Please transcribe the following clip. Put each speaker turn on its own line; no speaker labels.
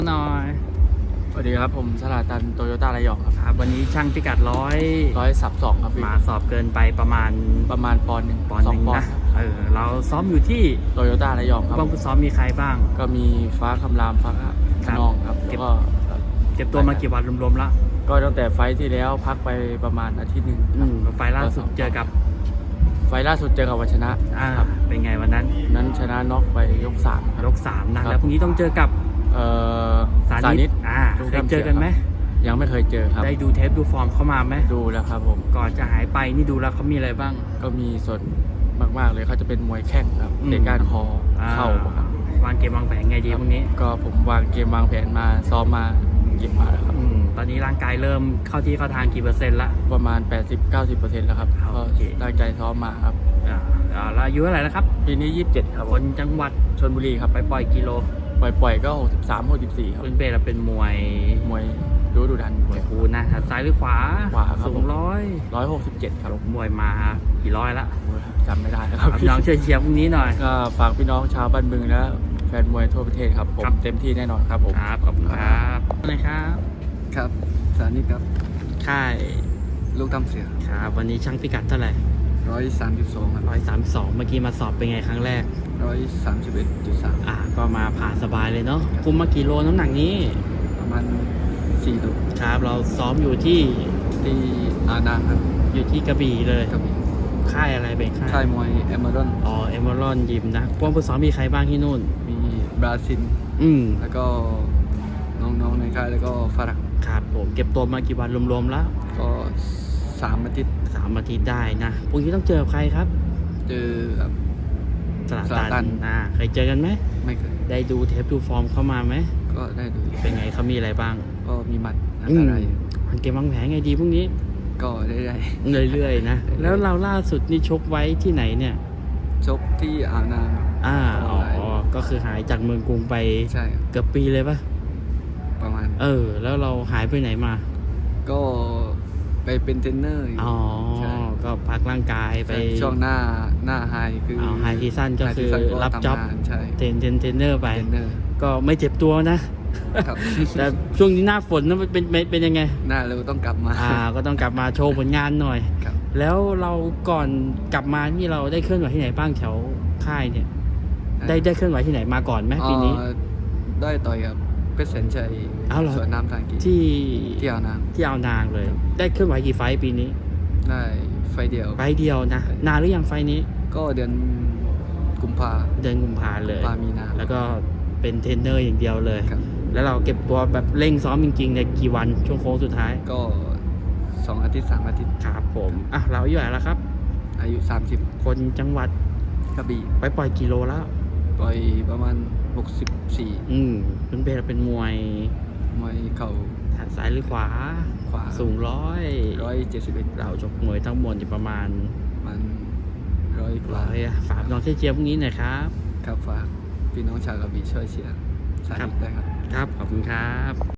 หน่อย
สวัสดีครับผมสลาตันโตโยต้าระยองครับ
ครับวันนี้ช่างพิกัด
132ครับพี่
มาสอบเกินไปประมาณ
ปอนด์หนึ่ง
ปอนด์หนึ่ง
2 ปอน
นะ
ด์ครับ
เราซ้อมอยู่ที่
โตโยต้าระยองครับ
บ้างซ้อมมีใครบ้าง
ก็มีฟ้าคำรามฟ้าขนองครับแล้วก็
เก็บตัวมากี่วันรวมๆแล้ว
ก็ตั้งแต่ไฟท์ที่แล้วพักไปประมาณอาทิตย์หนึ่ง
ไฟล์ล่าสุดเจอกับ
วัชนะครับ
เป็นไงวันนั้น
ชนะน็อกไปยก3
ยก3นะแล้วพรุ่งนี้ต้องเจอกับสานิตเคยเจอกันไหม
ยังไม่เคยเจอครับ
ได้ดูเทปดูฟอร์มเข้ามาไหม
ดูแล้วครับผม
ก่อนจะหายไปนี่ดูแล้วเขามีอะไรบ้าง
ก็มีส่วนมากๆเลยเขาจะเป็นมวยแข้งครับเตะก้านคอเข่าครับ
วางเกมวางแผนไงดีพรุ่งนี้
ก็ผมวางเกมวางแผนมาซ้อมมาเก็บมาแล้วครับ
ตอนนี้ร่างกายเริ่มเข้าที่เข้าทางกี่เปอร์เซ็นต์ละ
ประมาณ 80-90% แล้วครับก็ตั้งใจซ้อมมาครับ
แล้วอายุเท่าไหร่แล้วครับ
ปีนี้27ครับ
คนจังหวัด
ชลบุรีครับ
ไปปล่อยกิโล
ปล่อยก็63-64ครับ
เป็นเป้เราเป็นมวย
ดูดัน
มวยคูนะซ้ายหรือขวา
ครับ
สูง
167ครับ
มวยมากี่ร้อยละ
จำไม่ได้ครับ
น้องเชียร์พรุ่งนี้หน่อย
ก็ฝากพี่น้องชาวบ้านบึงและแฟนมวยทั่วประเทศครับผมเต็มที่แน่นอนครับผม
ครับขอบคุณครับนะครับ
ครับสานิทครับ
ค่าย
ลูกทำเสือ
ครับวันนี้ช่างพิกัดเท่าไหร่
132ครับ
132เมื่อกี้มาสอบเป็นไงครั้งแรก
131.3
ก็มาผ่านสบายเลยเนาะคุมมากี่โลน้ำหนักนี้
ประมาณ4 โล
ครับเราซ้อมอยู่ที่
อานังครับ
อยู่ที่กระบี่เลย
กระบี่
ค่ายอะไรเป็น
ค่ายมวยเอเมอรอน
เอเมอรอนยิมนะพวกผู้ซ้อมมีใครบ้างที่นู่น
มีบราซิลแล้วก็น้องๆในค่ายแล้วก็ฝรั่ง
ครับผมเก็บตัวมากี่วันรวมๆแล้ว
ก็3 อาทิตย์
ได้นะพรุ่งนี้ต้องเจอใครครับ
เจอกับ
สลาตันเคยเจอกันไหม
ไม่เคย
ได้ดูเทปดูฟอร์มเข้ามาไหม
ก็ได้ดู
เป็นไงเขามีอะไรบ้าง
ก็มีหมัดอะไร
เกมวางแผนไงดีพรุ่งนี้
ก็ได้
เรื่อยๆนะแล้วเราล่าสุดนี่ชกไว้ที่ไหนเนี่ย
ชกที่อ่าวนาง
ก็คือหายจากเมืองกรุงไป
ใช่
เกือบปีเลยปะ
ประมาณ
แล้วเราหายไปไหนมา
ก็ไปเป็นเทรนเนอร์
ก็พักร่างกายไป
ช่วงหน้าไฮคือ
ไฮซีซั่นก็คือรับจ็อบเทรนเนอร์ไปก็ไม่เจ็บตัวนะแต่ช่วงนี้หน้าฝนนั้นเป็นยังไง
หน้าเราต้องกลับมา
ก็ต้องกลับมาโชว์ผลงานหน่อยแล้วเราก่อนกลับมานี่เราได้เคลื่อนไหวที่ไหนบ้างแถวค่ายเนี่ยได้เคลื่อนไหวที่ไหนมาก่อนไหมปีนี้
ได้ต่อยกับเพชรแสนชัยสวนน้ำทางกีที่อ่าวน
างเลยได้เคลื่อนไหวกี่ไฟปีนี้
ได้ไฟเดียว
นะนานหรือยังไฟนี้
ก็เดือนกุมภา
เลย
มีนา
แล้วก็เป็นเทรนเนอร์อย่างเดียวเลยแล้วเราเก็บตัวแบบเร่งซ้อมจริงๆในกี่วันช่วงโค้งสุดท้าย
ก็2 อาทิตย์3 อาทิตย์
ครับผมเราอายุเท่าไหร่แล้วครับ
อายุ30
คนจังหวัด
กระบี่
ไปปล่อยกิโลแล้ว
ปล่อยประมาณ64
เป็นมวย
เข่า
ซ้ายหรือขวาสูง
171
เราจบมวยทั้งหมดอยู่ประมาณ
100 กว่า
ฝากน้องเชียร์พรุ่งนี้หน่อยครับ
ฝากพี่น้องชาวกระบี่ช่วยเชียร์สานิทได้ครับ
ขอบคุณครับ